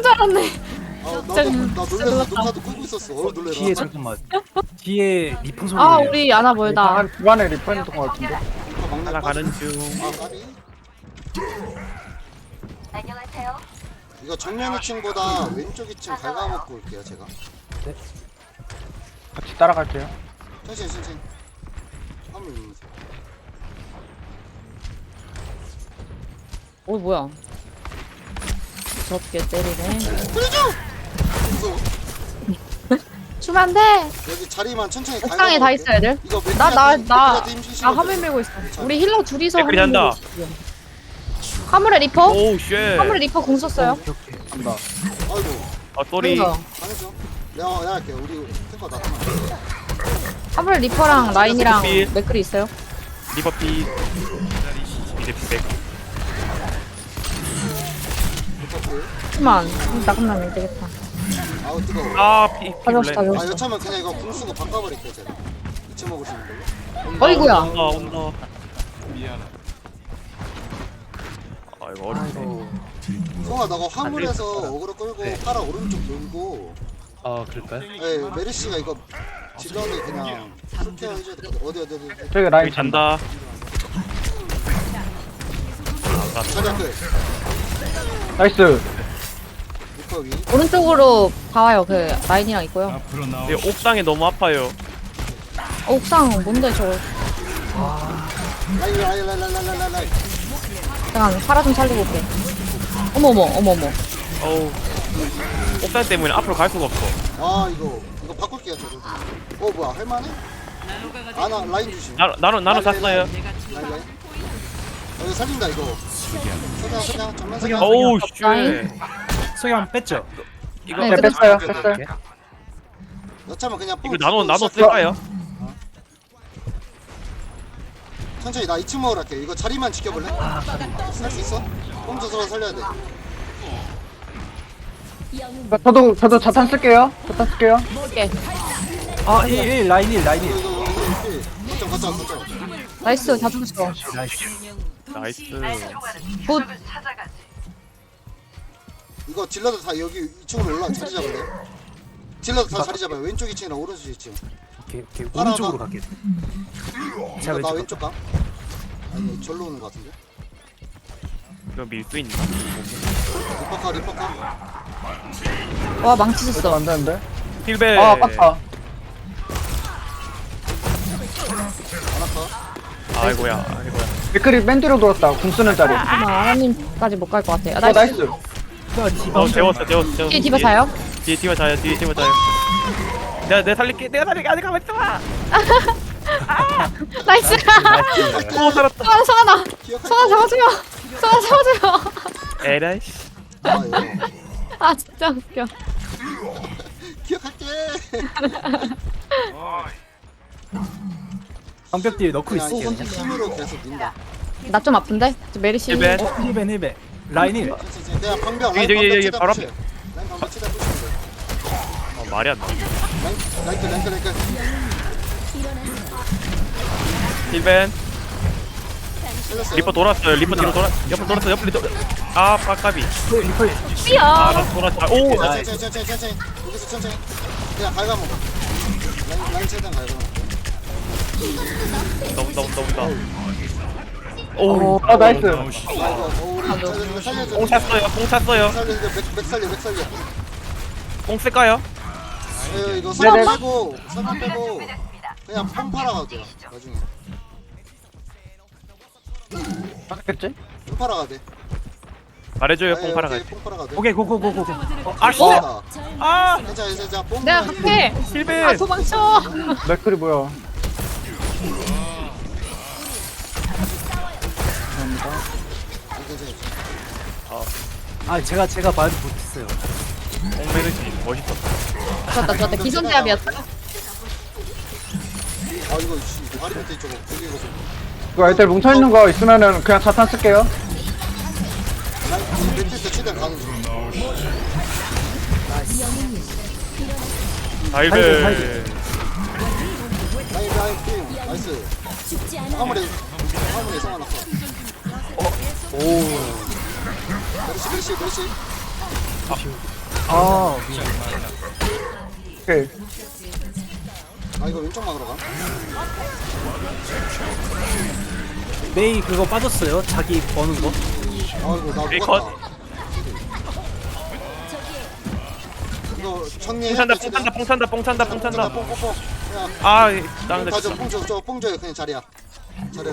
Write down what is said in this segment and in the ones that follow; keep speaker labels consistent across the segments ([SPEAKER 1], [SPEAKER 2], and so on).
[SPEAKER 1] 줄 알았네.
[SPEAKER 2] 나
[SPEAKER 1] 진짜
[SPEAKER 2] 놀래서 녹화도 끄고 있었어. 놀래라.
[SPEAKER 3] 뒤에 잠깐만. 뒤에 리폰 소리.
[SPEAKER 1] 아 우리 아나 멀다.
[SPEAKER 4] 한 주간에 리퍼 있는 것 같은데.
[SPEAKER 3] 하나 가는 중.
[SPEAKER 2] 아 까비.
[SPEAKER 5] 안녕하세요.
[SPEAKER 2] 이거 정면 2층보다 왼쪽 2층 갉아먹고 올게요 제가.
[SPEAKER 4] 같이 따라갈게요.
[SPEAKER 2] 천천히. 화물 밀면서.
[SPEAKER 1] 오 뭐야? 무섭게 때리네.
[SPEAKER 2] 무서워.
[SPEAKER 1] 주면 안 돼.
[SPEAKER 2] 여기 자리만 천천히
[SPEAKER 1] 옥상에 다 있어 애들.
[SPEAKER 2] 이거
[SPEAKER 1] 나 화물 밀고 있어. 우리 힐러 둘이서
[SPEAKER 3] 댓글이
[SPEAKER 1] 화물
[SPEAKER 3] 한다.
[SPEAKER 1] 밀고 있어. 화물에 리퍼?
[SPEAKER 3] 오우 쉣.
[SPEAKER 1] 화물에 리퍼 공 썼어요.
[SPEAKER 3] 오케이 오케이.
[SPEAKER 4] 간다.
[SPEAKER 2] 아이고
[SPEAKER 3] 아 쏘리.
[SPEAKER 1] 그래서
[SPEAKER 2] 당했죠. 내가 할게요. 우리 탱커 나.
[SPEAKER 1] 화물에 리퍼랑 라인이랑
[SPEAKER 3] 리퍼.
[SPEAKER 1] 맥클이 있어요.
[SPEAKER 3] 리버피. 이제 피백.
[SPEAKER 1] 잠깐만 나가면 안 되겠다.
[SPEAKER 2] 아우 뜨거워.
[SPEAKER 3] 아 피.
[SPEAKER 1] 가져왔어
[SPEAKER 2] 아
[SPEAKER 1] 가져왔어.
[SPEAKER 2] 여차면 그냥 이거 궁 쓰고 바꿔버릴게요 제가. 이쯤 먹을 수 있는 걸로.
[SPEAKER 1] 어이구야.
[SPEAKER 3] 온다. 아 이거 어렵네.
[SPEAKER 2] 성아 너가 화물에서 어그로 끌고
[SPEAKER 3] 네.
[SPEAKER 2] 파라 오른쪽 돌고.
[SPEAKER 3] 아 그럴까요?
[SPEAKER 2] 네 메르시가 이거 지전에 그냥 그렇게 해줘야 될 것 같아. 어디.
[SPEAKER 4] 저기 라인
[SPEAKER 3] 여기 잔다.
[SPEAKER 2] 자리야 끝.
[SPEAKER 4] 나이스.
[SPEAKER 2] 리퍼 위.
[SPEAKER 1] 오른쪽으로 다 와요. 그 라인이랑 있고요.
[SPEAKER 3] 근데 옥상에 너무 아파요.
[SPEAKER 1] 옥상 뭔데 저거?
[SPEAKER 2] 라인.
[SPEAKER 1] 잠깐 파라 좀 살리고 올게. 어머머.
[SPEAKER 3] 어우. 옥상 때문에 앞으로 갈 수가 없어.
[SPEAKER 2] 아 이거 바꿀게요 저도. 뭐야 할만해? 아나 라인 주심.
[SPEAKER 3] 나는 샀어요.
[SPEAKER 2] 라인. 이거 살린다 이거. 석양 정면 석양.
[SPEAKER 3] 어우
[SPEAKER 1] 라인.
[SPEAKER 3] 쉣.
[SPEAKER 6] 소양 뺐죠?
[SPEAKER 3] 이거
[SPEAKER 1] 네,
[SPEAKER 4] 네, 뺐어요. 뺐어요.
[SPEAKER 2] 여차면 그냥
[SPEAKER 3] 이거 나눠 쓸까요?
[SPEAKER 2] 천천히 나 2층 먹으러 갈게. 이거 자리만 지켜볼래? 살 수 있어? 홈저 서로 살려야 돼.
[SPEAKER 4] 저도 자탄 쓸게요.
[SPEAKER 1] 볼게.
[SPEAKER 6] 아, 1 라인 1 라인 1.
[SPEAKER 2] 이거 거점.
[SPEAKER 1] 나이스 다 죽었어.
[SPEAKER 3] 나이스.
[SPEAKER 1] 굿.
[SPEAKER 2] 이거 딜러들 다 여기 2층으로 올라 자리 잡을래? 딜러들 다 자리 잡아요. 왼쪽 2층이랑 오른쪽 2층.
[SPEAKER 6] 오케이 오른쪽으로 갈게. 제가
[SPEAKER 2] 나
[SPEAKER 6] 왼쪽.
[SPEAKER 2] 왼쪽 가. 아니 절로 오는 것 같은데.
[SPEAKER 3] 이거 밀 수 있나?
[SPEAKER 2] 리퍼카.
[SPEAKER 1] 와 망치
[SPEAKER 4] 일단
[SPEAKER 1] 줬어.
[SPEAKER 4] 안 되는데.
[SPEAKER 3] 힐베.
[SPEAKER 4] 아, 아깝다.
[SPEAKER 2] 아나카.
[SPEAKER 3] 아이고야.
[SPEAKER 4] 맥클이 맨 뒤로 돌았다. 궁 쓰는 자리.
[SPEAKER 1] 잠깐만 아나님까지 못 갈 것 같아. 아,
[SPEAKER 4] 나이스.
[SPEAKER 3] 재웠어.
[SPEAKER 1] 뒤에 디바 자요?
[SPEAKER 3] 뒤에 디바 자요. 내가 살릴게. 아직 가만 있어봐.
[SPEAKER 1] 나이스.
[SPEAKER 3] 오 살았다.
[SPEAKER 1] 성아나
[SPEAKER 2] 기억할
[SPEAKER 1] 잡아줘요. 성아 잡아줘요.
[SPEAKER 3] 에라이씨.
[SPEAKER 2] 아 이거.
[SPEAKER 1] 아 진짜 웃겨.
[SPEAKER 2] 기억할게.
[SPEAKER 6] 방벽 뒤에 넣고
[SPEAKER 2] 그냥
[SPEAKER 6] 있을게요.
[SPEAKER 2] 힘으로 계속 민다.
[SPEAKER 1] 나 좀 아픈데? 저 메르시.
[SPEAKER 3] 힐벤.
[SPEAKER 6] 1배 라인 1.
[SPEAKER 2] 천천히. 그냥 방벽 라인
[SPEAKER 3] 저기,
[SPEAKER 2] 방벽
[SPEAKER 3] 여기
[SPEAKER 2] 치다
[SPEAKER 3] 바로
[SPEAKER 2] 붙여. 라인 방벽 치다 붙이면 돼.
[SPEAKER 3] 말이 안 나.
[SPEAKER 2] 랭크.
[SPEAKER 3] 힐벤.
[SPEAKER 2] 살렸어요.
[SPEAKER 3] 리퍼 돌았어요. 리퍼 뒤로 옆으로 돌았어. 아 빡까비.
[SPEAKER 1] 뛰어.
[SPEAKER 3] 아나 돌았다. 오.
[SPEAKER 2] 천천히. 여기서 천천히. 그냥 갉아먹어. 라인 최대한 갉아먹어.
[SPEAKER 3] 나온다.
[SPEAKER 4] 오, 아, 나이스.
[SPEAKER 2] 우리 살려줘.
[SPEAKER 3] 뽕 찼어요.
[SPEAKER 2] 맥 살려.
[SPEAKER 3] 뽕 쓸까요?
[SPEAKER 2] 이거
[SPEAKER 4] 네네.
[SPEAKER 2] 선만 빼고 그냥 pom팔아 가도 돼요. 나중에
[SPEAKER 4] 맞겠지?
[SPEAKER 2] pom팔아 가도 돼.
[SPEAKER 3] 말해줘요. 뽕 팔아 갈 때.
[SPEAKER 2] pom팔아 가도 돼.
[SPEAKER 6] 오케이 고고고고.
[SPEAKER 3] 아 씨. 아
[SPEAKER 2] 괜찮아. 뽕.
[SPEAKER 1] 내가 갈게. 아
[SPEAKER 3] 힐벤.
[SPEAKER 1] 도망쳐.
[SPEAKER 4] 맥클이 뭐야?
[SPEAKER 6] 아 제가 말을 못했어요.
[SPEAKER 3] 뽕메르시 멋있었다.
[SPEAKER 1] 좋았다. 기선제압이었다.
[SPEAKER 2] 아 이거 다리 밑에 있죠. 여기 이거 좀.
[SPEAKER 4] 이거 애들 뭉쳐있는 거 있으면은 그냥 자탄 쓸게요.
[SPEAKER 2] 밑에 최대한 가는 중.
[SPEAKER 3] 힐벤.
[SPEAKER 2] 라인 팀 나이스. 화물에 성아 났어. 메르시.
[SPEAKER 6] 아
[SPEAKER 4] 오케이.
[SPEAKER 2] 아 이거 왼쪽 막으러 가.
[SPEAKER 6] 메이 그거 빠졌어요. 자기 버는 거.
[SPEAKER 2] 아이고 나
[SPEAKER 3] 오케이,
[SPEAKER 2] 녹았다. 이거 정리해.
[SPEAKER 3] 뽕 찬다.
[SPEAKER 2] 뽕뽕뽕. 야,
[SPEAKER 3] 아, 나는
[SPEAKER 2] 가져 뽕 줘요 그냥 자리야. 자리야.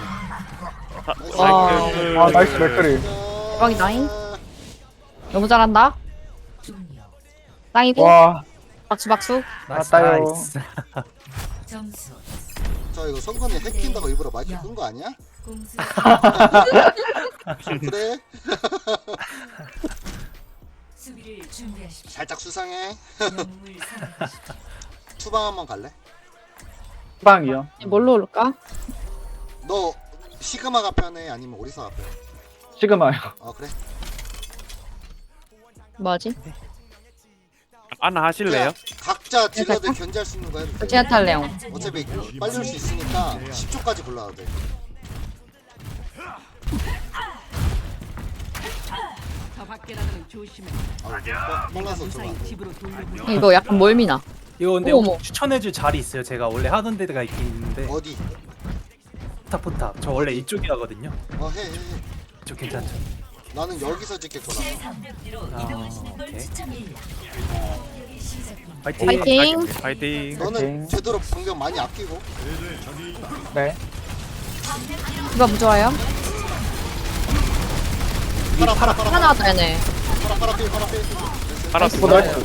[SPEAKER 4] 아 나이스 맥크리.
[SPEAKER 1] 대박이 나잉. 너무 잘한다. 땅이고
[SPEAKER 4] 와
[SPEAKER 1] 박수.
[SPEAKER 4] 맞다요.
[SPEAKER 6] 나이스.
[SPEAKER 5] 점수
[SPEAKER 2] 자 이거 성건이 해킨다고 일부러 마이크 끈 거 아니야?
[SPEAKER 5] 공수
[SPEAKER 2] 그래?
[SPEAKER 5] 수비를 준비하십시오.
[SPEAKER 2] 살짝 수상해.
[SPEAKER 5] 영웅을 선택하십시오.
[SPEAKER 2] 투방 한번 갈래?
[SPEAKER 4] 빵이요.
[SPEAKER 1] 뭘로 올까?
[SPEAKER 2] 너 시그마가 편해 아니면 오리사가 편해?
[SPEAKER 4] 시그마요.
[SPEAKER 2] 그래?
[SPEAKER 1] 뭐지?
[SPEAKER 3] 하나 하실래요?
[SPEAKER 2] 그냥 각자 딜러들 견제할 수 있는 거 해도 돼.
[SPEAKER 1] 제가 탈래요.
[SPEAKER 2] 어차피 빨리 올 수 있으니까 10초까지 골라도 돼. 빨라서 들어와.
[SPEAKER 1] 이거 약간 멀미나.
[SPEAKER 6] 이거 근데
[SPEAKER 1] 어머.
[SPEAKER 6] 추천해줄 자리 있어요. 제가 원래 하던 데가 있긴 있는데
[SPEAKER 2] 어디?
[SPEAKER 6] 포탑. 저 원래 이쪽이라거든요.
[SPEAKER 2] 해.
[SPEAKER 6] 이쪽 괜찮죠?
[SPEAKER 2] 나는 여기서 찍힐 거라.
[SPEAKER 6] 아 오케이.
[SPEAKER 1] 파이팅.
[SPEAKER 3] 파이팅.
[SPEAKER 2] 너는
[SPEAKER 4] 오케이.
[SPEAKER 2] 되도록 방벽 많이 아끼고.
[SPEAKER 4] 네.
[SPEAKER 1] 누가 무좋아요?
[SPEAKER 2] 팔아.
[SPEAKER 1] 하나 나왔다 얘네.
[SPEAKER 2] 팔아 필.
[SPEAKER 3] 알았어.
[SPEAKER 4] 오 나이스.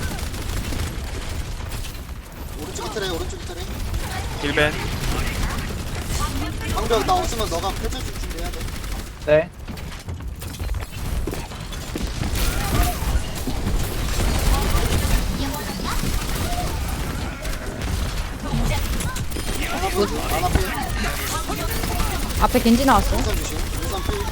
[SPEAKER 2] 오른쪽이 트레.
[SPEAKER 3] 힐벤.
[SPEAKER 2] 방벽 나 없으면 너가 펼쳐줄 준비해야 돼.
[SPEAKER 4] 네.
[SPEAKER 2] 하나 필.
[SPEAKER 1] 앞에 겐지 나왔어.
[SPEAKER 2] 우선 주심. 우선 필.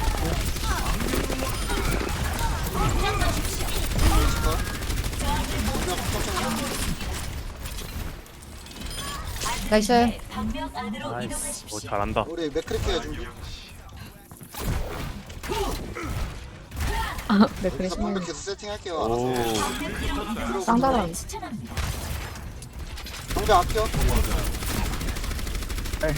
[SPEAKER 1] 나이스.
[SPEAKER 3] 나이스. 오, 잘한다.
[SPEAKER 2] 우리 맥크리케 해준.
[SPEAKER 1] 맥크리
[SPEAKER 2] 여기서
[SPEAKER 1] 신는
[SPEAKER 2] 방벽 계속 세팅할게요.
[SPEAKER 3] 오.
[SPEAKER 2] 알아서.
[SPEAKER 1] 쌍다란.
[SPEAKER 2] 방벽 아껴.
[SPEAKER 4] 네.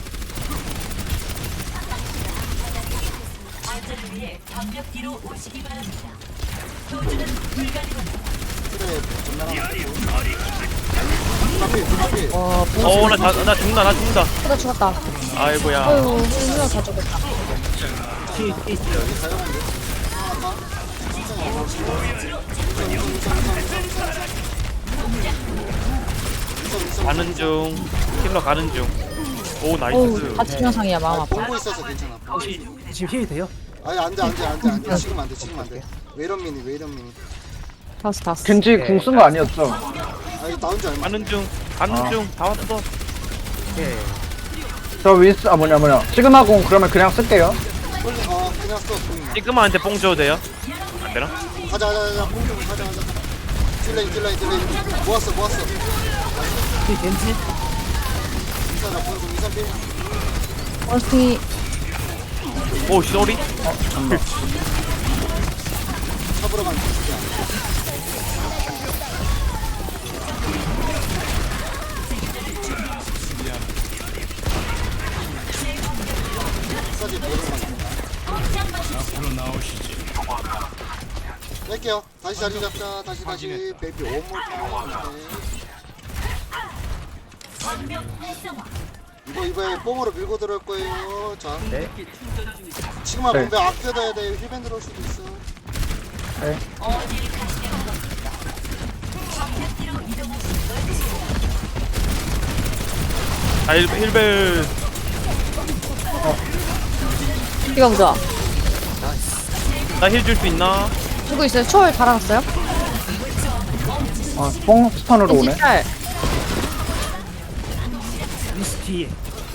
[SPEAKER 2] 트레 전멸하나.
[SPEAKER 1] 와,
[SPEAKER 3] 어, 나 죽는다.
[SPEAKER 1] 보다 죽었다.
[SPEAKER 3] 아이고야.
[SPEAKER 1] 어휴, 힘들어 다 죽었다.
[SPEAKER 3] 가는 중. 힐러 가는 중. 오,
[SPEAKER 1] 어우,
[SPEAKER 3] 나이스.
[SPEAKER 1] 같이 영상이야 마음 아파.
[SPEAKER 2] 보고 있어서 괜찮아.
[SPEAKER 6] 지금 힐이 돼요?
[SPEAKER 2] 아니 안돼. 지금 안 돼. 왜 이런 미니.
[SPEAKER 1] 다스.
[SPEAKER 4] 겐지 궁 쓴 거 아니었죠?
[SPEAKER 2] 아니 나온 지 얼마?
[SPEAKER 3] 가는 중. 다 왔어.
[SPEAKER 6] 오케이.
[SPEAKER 4] 저 윈스 뭐냐 시그마 궁 그러면 그냥 쓸게요.
[SPEAKER 2] 그냥 써. 보이네.
[SPEAKER 3] 시그마한테 뽕 줘도 돼요? 안 되나?
[SPEAKER 2] 가자. 가자. 딜레이. 모았어.
[SPEAKER 6] 이 겐지?
[SPEAKER 2] 인사나 보여줘. 인사 필.
[SPEAKER 1] 원스티
[SPEAKER 3] 오, 쏘리?
[SPEAKER 2] 잡으러 가는 중이야. 사진 보러 가는 뺄게요. 다시 자리 잡자. 다시 베이비 원몰 이번에 뽕으로 밀고 들어올 거예요. 자,
[SPEAKER 6] 네.
[SPEAKER 2] 지금만
[SPEAKER 4] 네.
[SPEAKER 2] 방벽 아껴둬야 돼. 힐밴 들어올 수도 있어.
[SPEAKER 4] 네.
[SPEAKER 3] 아, 힐벨.
[SPEAKER 1] 이거 보자.
[SPEAKER 3] 나 힐 줄 수 있나?
[SPEAKER 1] 주고 있어요. 초월 달아놨어요?
[SPEAKER 4] 뽕 스턴으로
[SPEAKER 1] 겐지
[SPEAKER 4] 오네.
[SPEAKER 1] 탈.
[SPEAKER 6] 미스 뒤에.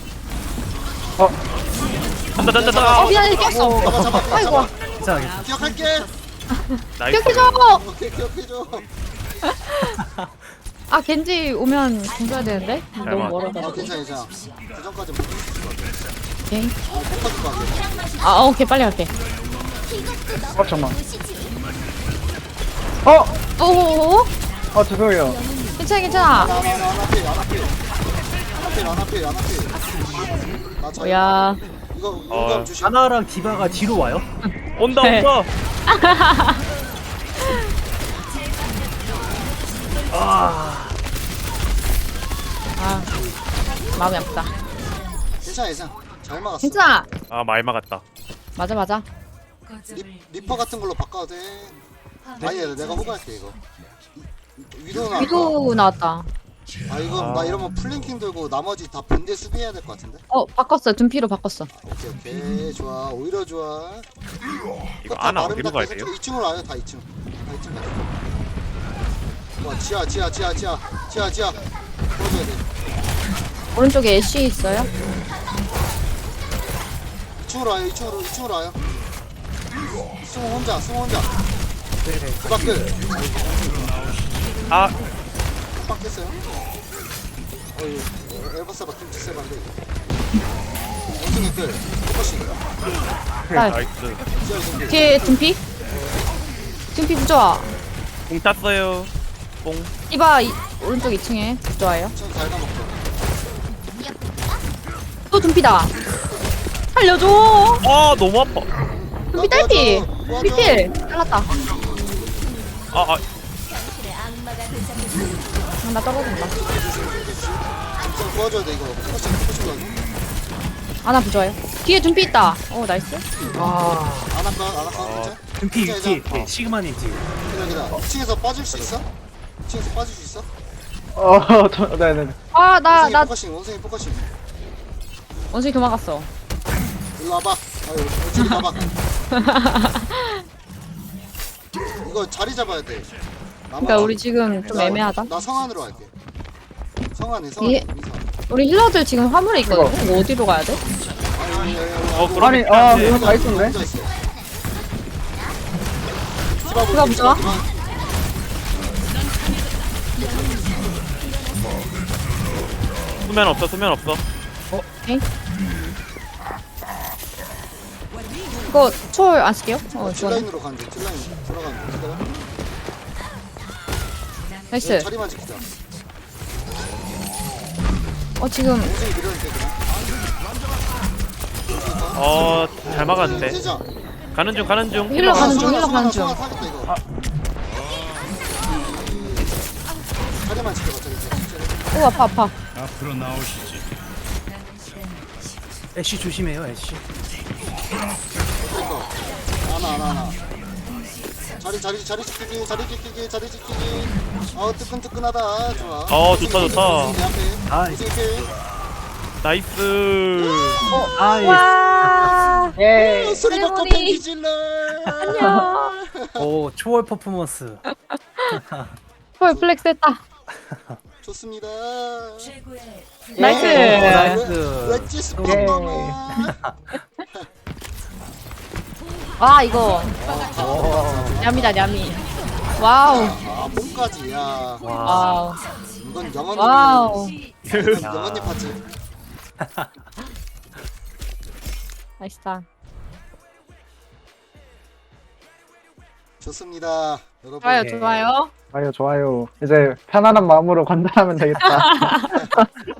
[SPEAKER 3] 던다.
[SPEAKER 1] 미안해 꼈어.
[SPEAKER 2] 잡아.
[SPEAKER 1] 아이고.
[SPEAKER 6] 괜찮아.
[SPEAKER 2] 기억할게.
[SPEAKER 3] 나이스.
[SPEAKER 1] 기억해줘.
[SPEAKER 2] 오케이, 기억해줘.
[SPEAKER 1] 아 겐지 오면 공줘야 되는데 너무
[SPEAKER 3] 맞아.
[SPEAKER 1] 멀어가지고.
[SPEAKER 2] 괜찮아. 그 전까지 못 있을 것 같아.
[SPEAKER 1] 오케이.
[SPEAKER 2] 폭파줄 거 같아.
[SPEAKER 1] 아 오케이 빨리 갈게.
[SPEAKER 4] 잠깐만.
[SPEAKER 1] 오오오.
[SPEAKER 4] 죄송해요.
[SPEAKER 1] 괜찮아 괜찮아.
[SPEAKER 2] 나 자리.
[SPEAKER 1] 야.
[SPEAKER 2] 이거 용감 조심.
[SPEAKER 6] 아나랑 디바가 뒤로 와요?
[SPEAKER 3] 온다
[SPEAKER 1] 네.
[SPEAKER 3] 온다.
[SPEAKER 1] 아 마음이 아프다.
[SPEAKER 2] 괜찮아. 잘 막았어.
[SPEAKER 1] 괜찮아.
[SPEAKER 3] 아 말 막았다.
[SPEAKER 1] 맞아 맞아.
[SPEAKER 5] 거점을
[SPEAKER 2] 리퍼 같은 걸로 바꿔도 돼. 아니야, 내가 호구할게 이거. 위도 나왔다.
[SPEAKER 1] 위도 나왔다.
[SPEAKER 2] 아 이거 나 이러면 플랭킹 들고 나머지 다 본대 수비해야 될 것 같은데.
[SPEAKER 1] 바꿨어. 둔피로 바꿨어.
[SPEAKER 2] 오케이 좋아. 오히려 좋아.
[SPEAKER 3] 이거 아나 어디로 가야 돼요?
[SPEAKER 2] 2층으로 와요. 다 2층. 다 2층 가자. 와 지하. 보여줘야 돼.
[SPEAKER 1] 오른쪽에 애쉬 있어요.
[SPEAKER 2] 2층으로 와요. 2층으로 와요. 승우 혼자. 그 밖을
[SPEAKER 3] 아
[SPEAKER 2] 빡겠어요. 어이 에버사바 김치 세반데. 원숭이 끌. 포커싱.
[SPEAKER 1] 딸.
[SPEAKER 3] 나이스.
[SPEAKER 2] 지하 정비.
[SPEAKER 1] 뒤에 둔피. 둔피 부좋아.
[SPEAKER 3] 공 탔어요. 뽕.
[SPEAKER 1] 오른쪽 2층에 좋아요.
[SPEAKER 2] 좀 갉아먹자.
[SPEAKER 1] 또 둔피다. 살려줘.
[SPEAKER 3] 아 너무 아파.
[SPEAKER 1] 둔피 딸피.
[SPEAKER 2] 도와줘.
[SPEAKER 1] 둔필. 잘랐다.
[SPEAKER 3] 아
[SPEAKER 1] 나 떨어진다.
[SPEAKER 2] 좀 도와줘야 돼 이거. 포커싱 도와줘.
[SPEAKER 1] 아나 부좋아요. 뒤에 둔피 있다. 나이스.
[SPEAKER 2] 안할까 진짜?
[SPEAKER 6] 둠피
[SPEAKER 2] 진짜
[SPEAKER 6] 뒤에
[SPEAKER 2] 이제-
[SPEAKER 6] 시그마님 뒤에.
[SPEAKER 2] 기다려. 2층에서 빠질 수 있어? 2층에서 빠질 수 있어?
[SPEAKER 4] 네네.
[SPEAKER 2] 원숭이
[SPEAKER 1] 나
[SPEAKER 2] 원숭이 포커싱.
[SPEAKER 1] 원숭이 도망갔어.
[SPEAKER 2] 일로 와봐. 아유, 저리 가봐. 이거 자리 잡아야 돼.
[SPEAKER 1] 그러니까 우리 지금 좀 애매하다.
[SPEAKER 2] 나 성안으로 갈게. 성안에
[SPEAKER 1] 예. 우리 힐러들 지금 화물에 있거든. 이거 어디로 가야 돼?
[SPEAKER 3] 그럼
[SPEAKER 4] 아니,
[SPEAKER 3] 이렇게
[SPEAKER 4] 이거 다 있었네.
[SPEAKER 1] 디바 부좋아?
[SPEAKER 3] 수면 없어.
[SPEAKER 1] 오케이. 이거 초월 안 쓸게요. 좋아.
[SPEAKER 2] 딜라인으로 가는 중. 딜라인 들어가는 중. 기다려.
[SPEAKER 1] 나이스.
[SPEAKER 2] 자리만 지키자.
[SPEAKER 1] 지금
[SPEAKER 2] 원숭이 밀어줄게 그냥.
[SPEAKER 3] 잘 막았는데.
[SPEAKER 2] 세자.
[SPEAKER 3] 가는 중.
[SPEAKER 1] 힐러 가는 중,
[SPEAKER 2] 성환아,
[SPEAKER 1] 힐러 가는 중.
[SPEAKER 2] 성환아 타겠다 이거. 자리만 지켜봐. 자리.
[SPEAKER 1] 오 아파.
[SPEAKER 6] 애쉬 조심해요 애쉬.
[SPEAKER 2] 그러니까. 하나. 자리 지키기. 뜨끈뜨끈하다. 좋아.
[SPEAKER 3] 좋다.
[SPEAKER 2] 내 앞에.
[SPEAKER 6] 나이스.
[SPEAKER 2] 원숭이
[SPEAKER 3] 나이스.
[SPEAKER 1] 와.
[SPEAKER 4] 예.
[SPEAKER 2] 소리 받고
[SPEAKER 1] 세레모니.
[SPEAKER 2] 팬티 질러.
[SPEAKER 1] 안녕.
[SPEAKER 6] 오 초월 퍼포먼스.
[SPEAKER 1] 초월 플렉스 했다.
[SPEAKER 2] 좋습니다.
[SPEAKER 5] 최고의
[SPEAKER 1] 나이스.
[SPEAKER 6] 나이스.
[SPEAKER 2] 웨지 스폰더만.
[SPEAKER 1] 이거 냠이다 냠이. 와우.
[SPEAKER 2] 몸까지. 야.
[SPEAKER 1] 와우.
[SPEAKER 2] 이건 영원님.
[SPEAKER 1] 와우.
[SPEAKER 2] 영원님 파츠.
[SPEAKER 1] 나이스다.
[SPEAKER 2] 좋습니다. 여러분.
[SPEAKER 1] 좋아요.
[SPEAKER 4] 좋아요. 이제 편안한 마음으로 관전하면 되겠다.